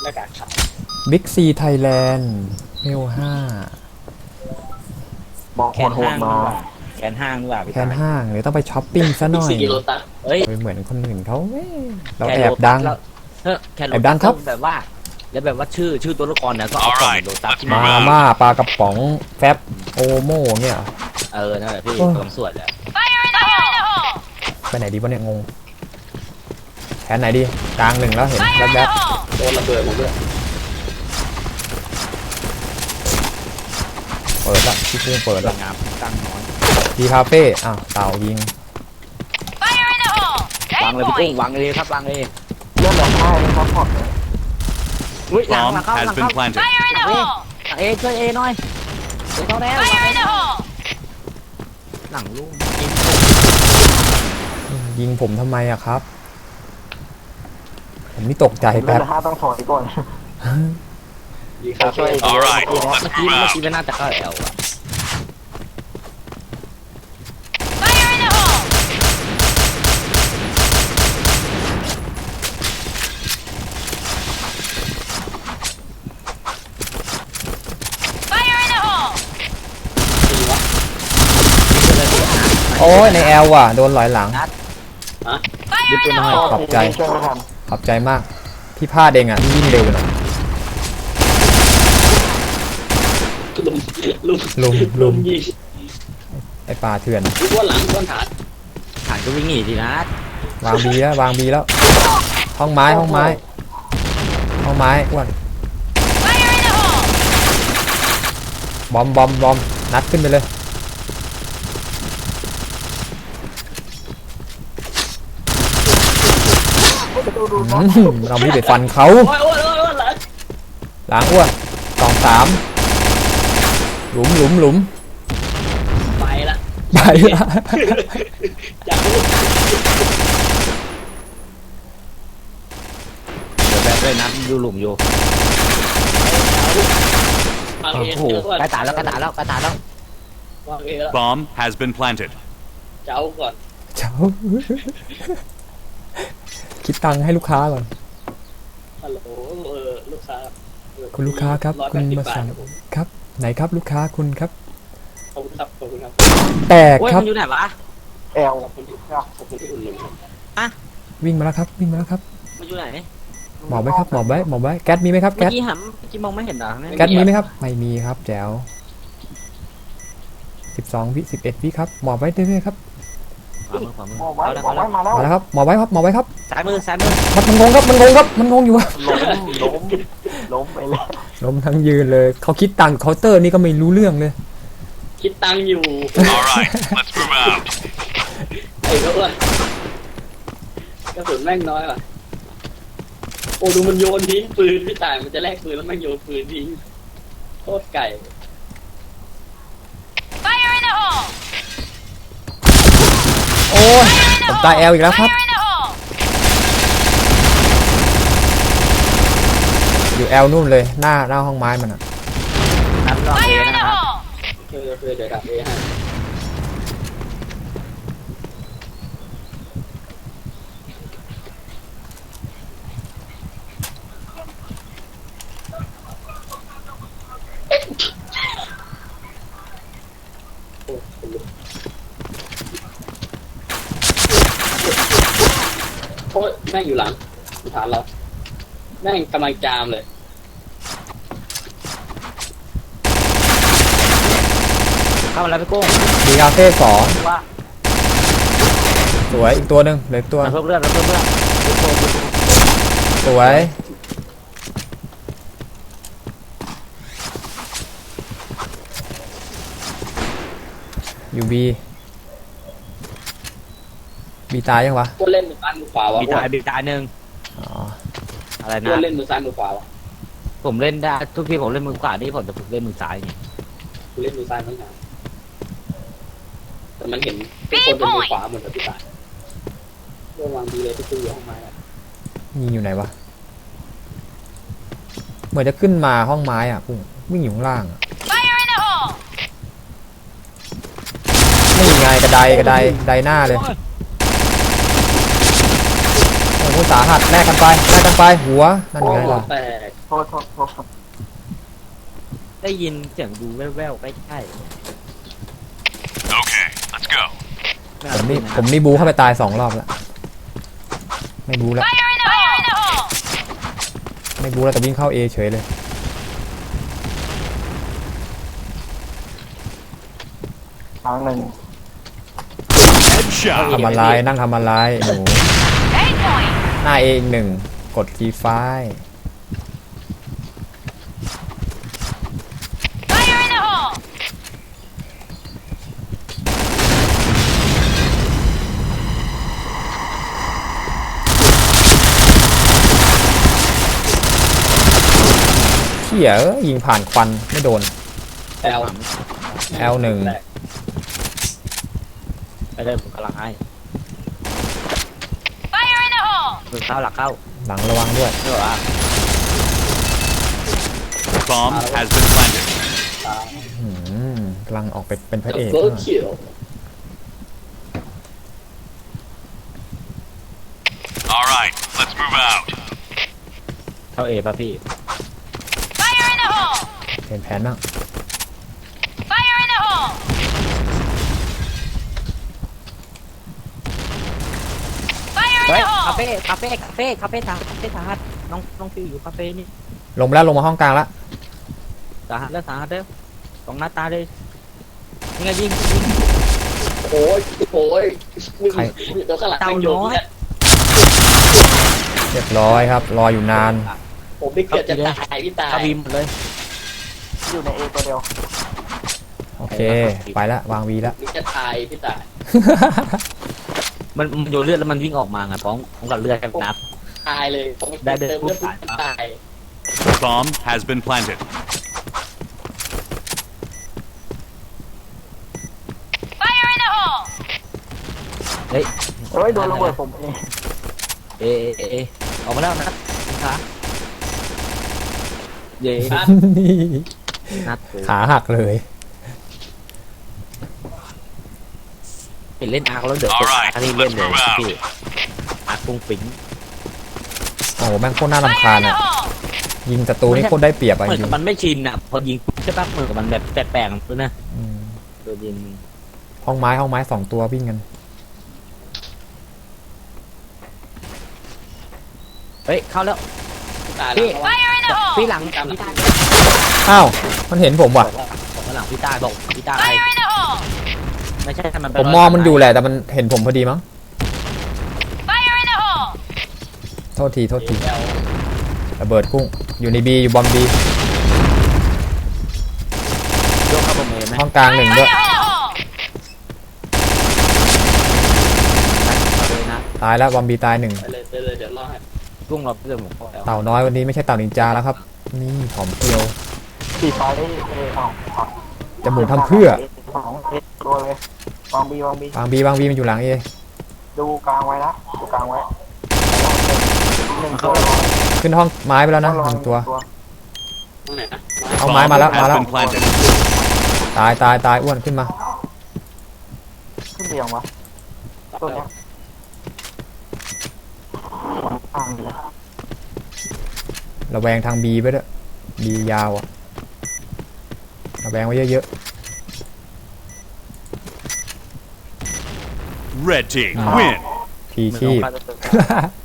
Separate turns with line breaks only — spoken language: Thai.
หน้ากากขาว
บิ๊กซีไทยแลนด์เมล5
บอก
แข
โห
น
ด
ห้าง
ๆมา
แขนห้างดีกว่าพี่
แคนห้างเดี๋ยวต้องไปช้อปปิ้งซะหน่อย
สี่กิโลตัส
เอ้ย
ไปเหมือนคนอื่นเขาเว้ยเรา
แขน
แอบดัง
แคนโล
แอบดังครับ
แบบว่าแล้วแบบว่าชื่อตัวละครเนี่ยก็เอากล่องโลตัสที่
มา
มา
ม่าปลากระป๋องแฟบโอโม่เนี่ย
นั่นแหละพี่
โอ้ย
กำลังสวดแหละ
ไปไหนดีวะเนี่ยงงแผนไหนดีกลางหนึ่งแล้วเห็นแวบ
โดนระเบิดหมดเลย
ๆเปิดละที่เพิ่งเปิด
ส
ละ
วยงามตั้งน้อย
ดีคาเฟ่อ้าวเต่ายิง
วางเลยพี่กุ้งวางเลยครับวางเลย
เรื่องแบบค่ายซัพพอร์ตเลย
อุ้ยหลัง
Bomb
เข้าหลั
has
ง
been
เข้า
planted.
เอช่วยเอหน่อยเดี๋ยวเข้าแล้วหลังลูก
ยิงผมทำไมอะครับ ผมนี่ตกใจ
เรื่
แป๊
อบ ง5ต้องถอยก่อน
ดีครับช่วย
Alright,
เมื่อ
let's
กี้
move
เมื่อ
out.
กี้มันน่าจะเข้าแอลอะ
โอ้ยในแอลว่ะโดนลอยหลัง
ดิบตัวน้อย
ขอบใจ
ช่วยไม่ทัน
ขอบใจมากพี่พลาดเองอ่ะพี่วิ่งเร็วไปหน่อย
ลุมยิง
ไอปลาเถื่อน
อ้วนหลังอ้วนฐาน
ฐานก็วิ่งหนีทีนะ
วางบีแล้ววางบีแล้วห้องไม้ห้องไม้ห้องไม้อ้วนบอมนัดขึ้นไปเลยเราไม่ไปฟันเขา
โอ้ยอ้วนหลัง
หลังอ้วนสองสามหลุม
ไปละ
ไปละ
จากลูก
เดี๋ยวแบบเลยนะอยู่หลุมอยู่
วางเอ
โอ้โห
เจออ้วน
กระตายแล้ว
วางเอแล้ว
Bomb has been planted.
เจ้าก่อน
เจ้าคิดตังค์ให้ลูกค้าก่อน
ฮัลโหลลูกค้า
คุณลูกค้าครับคุณมาสั่งครับไหนครับลูกค้าคุณครับ
ขอบคุณครับขอบคุณครับ
แตก
โอ้ย
ครั
มั
บ
นอยู่ไหนวะ
แอล
ขอบคุณที่อุ่นหนุน
วิ่งมาแล้วครับวิ่งมาแล้วครับ
มันอยู่ไหน
หมอบไว้ครับหมอบไว้แก๊สมีไหมครับ
เมื่อ
แก๊ส
กี้หันเมื่อกี้มองไม่เห็นเหรอ
แก๊สมีไหมครับไม่มีครับแจ๋ว12 วิ 11 วิครับหมอบไว้เรื่อยๆครับ
ขวามือ
มองไว้
เอาแล้ว
มองไว้มาแล้ว
มาแล้วครับหมอบไว้ครับหมอบไว้ครับ
ซ้ายมือ
มันงงครับมันงงอยู่อะ
ล้มไปเลย
ล้มทั้งยืนเลยเขาคิดตังค์เคาน์เตอร์นี่ก็ไม่รู้เรื่องเลย
คิดตังค์อยู่
Alright, let's move out.
ไอ้ก็อ้วนกระสุนแม่งน้อยว่ะโอ้ดูมันโยนทิ้งปืนพี่ต่ายมันจะแลกปืนแล้วแม่งโยนปืนทิ้งโคตรไก่
โอ้ยผมตายแอลอีกแล้วครับอยู่แอลนู่นเลยหน้าห้องไม้มันอะ
นับรอบเอนะครับ
เดี๋ยวดับเอให้โอ้ยแม่งอยู่หลังฐานเราแม่งกำลังจามเลย
เข้ามาแล้วพี่กุ้ง
ดีคาเฟ่2
ว่า
สวยอีกตัวหนึ่งเหลืออีกตัว
เพิ่มเลือด
สวยอยู่บีตายยังวะ
ก็เล่นมือซ้ายมือขวาวะ
บีตายหนึ่ง
อ๋อ
อะไร
ก็
นะ
เล่นมือซ้ายมือขวาวะ
ผมเล่นได้ทุกทีผมเล่นมือขวานี่ผมจะฝึกเล่นมือซ้ายไง
กูเล่นมือซ้ายมั้งหาแต่มันเห็นทุกคนเป็นมือขวาหมดเลยพี่ต่ายเรื่องวางดีเลยที่ตู้อยู่ห้องไม้อะ
ยิงอยู่ไหนวะเหมือนจะขึ้นมาห้องไม้อ่ะพุ่งวิ่งอยู่ข้างล่างอะนี่ไงกระไดหน้าเลยโอ้โหสาหัสแลกกันไปหัวนั่นไงล่ะ
แตก
โทษครับ
ได้ยินเสียงดูแว่วๆใกล้
Okay, let's go.
ๆไม่
ผ
เอา
มนี่
นะ
ผมนี่บูเข้าไปตาย2 รอบแล้วไม่บูแล้วไม่บูแล้วแต่วิ่งเข้า A เฉยเลย
ครั้งหนึ่ง
Headshot.
ทำอะไรนั่งทำอะไรหนูหน้า A อีกหนึ่งกดคีย์ไฟล์เขี่ยยิงผ่านควันไม่โดน
แอล
L1
ไปเลยผมกำลังให้มือเข้าหลักเข้า
หลังระวังด้วย
เดี๋ยวอ่ะ
Bomb has been planted.
กำลังออกไปเป็นพระเอก
เบิร์ดคิว
All right, let's move out.
เข้าเอป่ะพี่
เห็นแผนบ้าง
เฮ้ยคาเฟ่สาหัสน้องฟิวอยู่คาเฟ่นี่
ลงมาแล้วลงมาห้องกลางแล้ว
สาหัสแล้วตรงหน้าตาเลยยังไงยิง
โอ้ยมึงเดี๋ยวข้างหลังแม่งโยนเนี่ย
เรียบร้อยครับรออยู่นาน
ผมไม่เกิดจะตายพี่ตาย
เข้าบีมหมดเลย
อยู่ใน A ตัวเดียว
โอเคไปละวางวีละ
มึงจะตายพี่ตาย
มันโยนเลือดแล้วมันวิ่งออกมาไงพร้อมกับเลือดกับน้
ตายเลยผม
ได้เดิน
เติมเลือดปุ๊บตาย
Bomb has been planted.
ำเฮ้ย
เฮ้ยโดนระเบิดผมเอง
เอออกมาแล้วนะขาเย่
ครับ
นัด
ขาหักเลย
เป็นเล่นอาร์แล้วเดี๋ยวเป็นอาร์ที่เล่นเลยพี่อาร์กุ้งปิ้ง
โอ้โหแม่งโคตรน่ารำคาญอ่ะยิงศัตรูนี่โคตรได้เปรียบอ่ะ
เหมือน
จริ
กับ
ง
มันไม่ชินอ่ะพอยิงใช่ปะเหมือนกับมันแบบแปลกๆเลยนะ
อืม
โดนยิง
ห้องไม้2 ตัววิ่งกัน
เฮ้ยเข้าแล้ว
พี่ตาย
พี่
แล้ว
พี่หลังพี่ตา
อ้าวมันเห็นผมว่ะ
บอกว่าหลังพี่ตาบอกพี่ตาอะไรไม่ใช่มัน
ผมมองมันอยู่แหละแต่มันเห็นผมพอดีมั้งโทษที
แอล
ระเบิดพุ่งอยู่ในบีอยู่บอมบี
ยกเข้าประเมินไหม
ห้องกลาง1ด้วย
นะ
ตายแล้วบอมบีตาย1
ไปเลยเดี๋ยวรอให้
กุ้งเราเรื่องของพ่อแล้ว
เต่าน้อยวันนี้ไม่ใช่เต่านินจาแล้วครับนี่หอมเปรียว
สีฟ้าได้ A ออก
จะหมุนทำเพื่อ
สอง A ตัวเลยวางบี
วางบีมันอยู่หลังเอ
ดูกลางไว้นะดูกลางไว้หนึ่งตัว
ขึ้นห้องไม้ไปแล้วนะ
ต้องรอ
1 ตัว
ตรงไหนนะ
เอาไม้มาแล้ว
Bomb has been planted.
ตายอ้วนขึ้นมา
ขึ้นไปยังวะตัวเนี้ยอ่างเลย
ระแวงทางบีไปด้วยบียาวอะระแวงไว้เยอะ
Red team win.
ๆพี
เหมือน
ชีพ
ของข้าจะ